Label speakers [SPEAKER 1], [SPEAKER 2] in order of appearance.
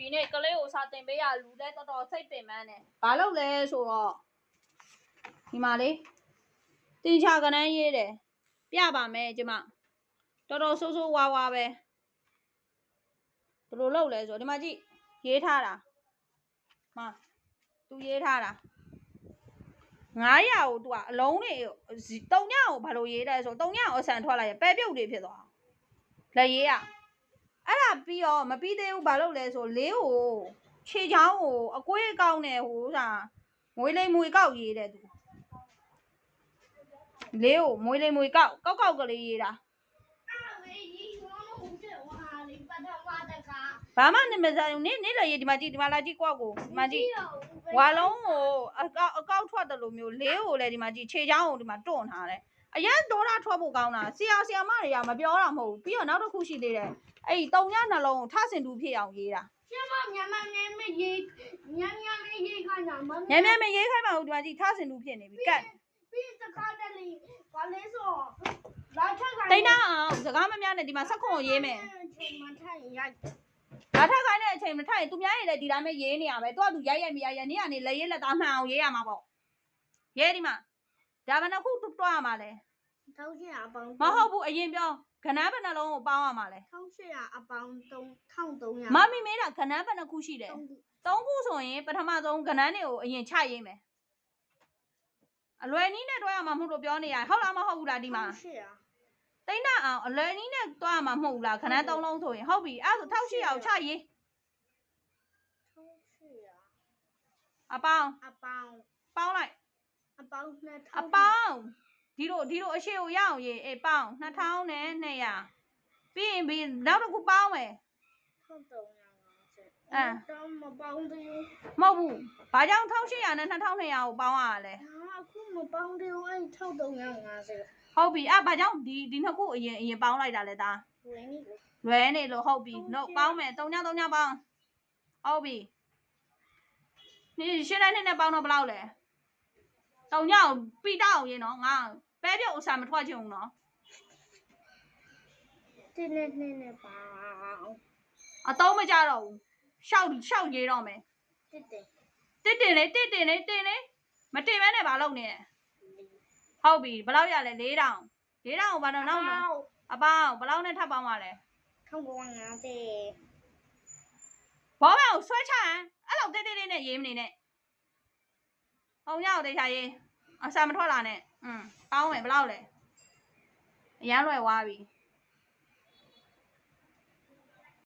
[SPEAKER 1] ဒီနေ့ကလေးကိုစာတင်ပေးရလူလဲတော်တော်စိတ်ပင်ပန်းတယ်ဘာလို့လဲဆိုတော့ဒီမှာလေတင်ချာကနန်းရေးတယ်ပြပါမယ်ကျမတော်တော်ဆိုးဆိုးဝါးဝါပဲဘယ်လိုလုပ်လဲဆိုတော့ဒီမှာကြည့်ရေးထားတာမသူရေးထားတာ900ကိုသူကအလုံးတွေ3ညကိုဘာလို့ရေးတယ်ဆို3ညကိုအဆန်ထွက်လိုက်ရပဲပြုတ်တွေဖြစ်သွားလက်ရေးရအဲ့ဒါပြီးတော့မပြီးသေးဘူးဘာလို့လဲဆိုလေးကိုခြေချောင်းကိုအကွေးကောင်းနေဟိုစာမွေးလိမ်မွေကောက်ရေးတယ်သူလေးကိုမွေးလိမ်မွေကောက်ကလေးရေးတာဘာမှနေမစားဘူးနေလည်းရေးဒီမှာကြည့်ဒီမှာလာကြည့်ကွက်ကိုဒီမှာကြည့်ဝါလုံးကိုအကောက်ထွက်တယ်လို့မျိုးလေးကိုလည်းဒီမှာကြည့်ခြေချောင်းကိုဒီမှာတွန့်ထားတယ်အရင်ဒေါ်လာထွက်ဖို့ကောင်းတာဆရာမတွေကမပြောတာမဟုတ်ဘူးပြီးတော့နောက်တစ်ခုရှိသေးတယ်အဲ့ဒီ3ညနှလုံးကိုထဆင်တူဖြစ်အောင်ရေးတာ
[SPEAKER 2] ကျမမြန်မရေးခိုင်းတာမ
[SPEAKER 1] မြန်မရေးခိုင်းပါဦးဒီမှာကြည့်ထဆင်တူဖြစ်နေပြီကတ်
[SPEAKER 2] ပြီးတခါတလေဘာလဲဆိုလာထက်ခိုင်း
[SPEAKER 1] တိတ်နာအောင်စကားမများနဲ့ဒီမှာဆက်ခွန်ကိုရေးမယ်
[SPEAKER 2] မထိုင်ရိုက်
[SPEAKER 1] လာထက်ခိုင်းတဲ့အချိန်မထိုင်သူများရေးလည်းဒီတိုင်းပဲရေးနေရပဲသူကသူရိုက်မရနေကနေလက်ရေးလက်သားမှန်အောင်ရေးရမှာပေါ့ရေးဒီမှာဒါဘယ်နှခုတွားရမှာလဲ
[SPEAKER 2] 1800အပေါင်း
[SPEAKER 1] မဟုတ်ဘူးအရင်ပြောခဏဘယ်နှလုံးကိုပေါင်းရမှာလဲ
[SPEAKER 2] 1800အပေါင်း1300
[SPEAKER 1] မမီမေးတာခဏဘယ်နှခုရှိတယ်3ခုဆိုရင်ပထမဆုံးခဏတွေကိုအရင်ချရေးမယ်အလွယ်နည်းနဲ့တွားရမှာမဟုတ်လို့ပြောနေရဟုတ်လားမဟုတ်ဘူးလားဒီမှာတိတ်နာအောင်အလွယ်နည်းနဲ့တွားရမှာမဟုတ်ဘူးလားခဏ3လုံးဆိုရင်ဟုတ်ပြီအဲ့ဒါဆို1800ကိုချရေးအပေါင်းပေါင်းလိုက်
[SPEAKER 2] အပေါင်း
[SPEAKER 1] 2000အပေါင်းဒီလိုအရှိကိုရအောင်ရေးအေးပေါင်း2200ပြီးရင်နောက်တစ်ခုပေါင်းမယ်
[SPEAKER 2] 1350တော့မပေါင်းသေးဘူး
[SPEAKER 1] မဟုတ်ဘူးဘာကြောင့်1800နဲ့2200ကိုပေါင်းရလဲ
[SPEAKER 2] အခုမပေါင်းသေးဘူးအဲ့1350
[SPEAKER 1] ဟုတ်ပြီအဲ့ဘာကြောင့်ဒီနှစ်ခုအရင်ပေါင်းလိုက်တာလဲသားလွယ်နေလို့ဟုတ်ပြီလို့ပေါင်းမယ်3ညပေါင်းဟုတ်ပြီนี่ရှင်းတဲ့နဲ့ပေါင်းတော့ဘယ်လောက်လဲ3ညကိုပြီးတော့ရေးနော်ငါပဲပြုတ်အစာမထွက်ချင်ဘူးနော်
[SPEAKER 2] တင်းနဲ့ပါ
[SPEAKER 1] အတော့မကြတော့ဘူးရှောက်ရေးတော့မယ်တစ်တင်လေမတင်မဲနဲ့ဘာလုပ်နေလဲဟုတ်ပြီဘယ်လောက်ရလဲ4000ကိုဘာတော့နောက်အပေါင်းဘယ်လောက်နဲ့ထပ်ပေါင်းပါလဲ
[SPEAKER 2] 1950
[SPEAKER 1] ဘောမကိုဆွဲချရင်အဲ့လောက်တိတ်နဲ့ရေးမနေနဲ့3ညကိုတေချာရေးအစာမထွက်လာနဲ့ပေါင်းမယ်ဘယ်လောက်လဲအရန်လွယ်သွားပြီ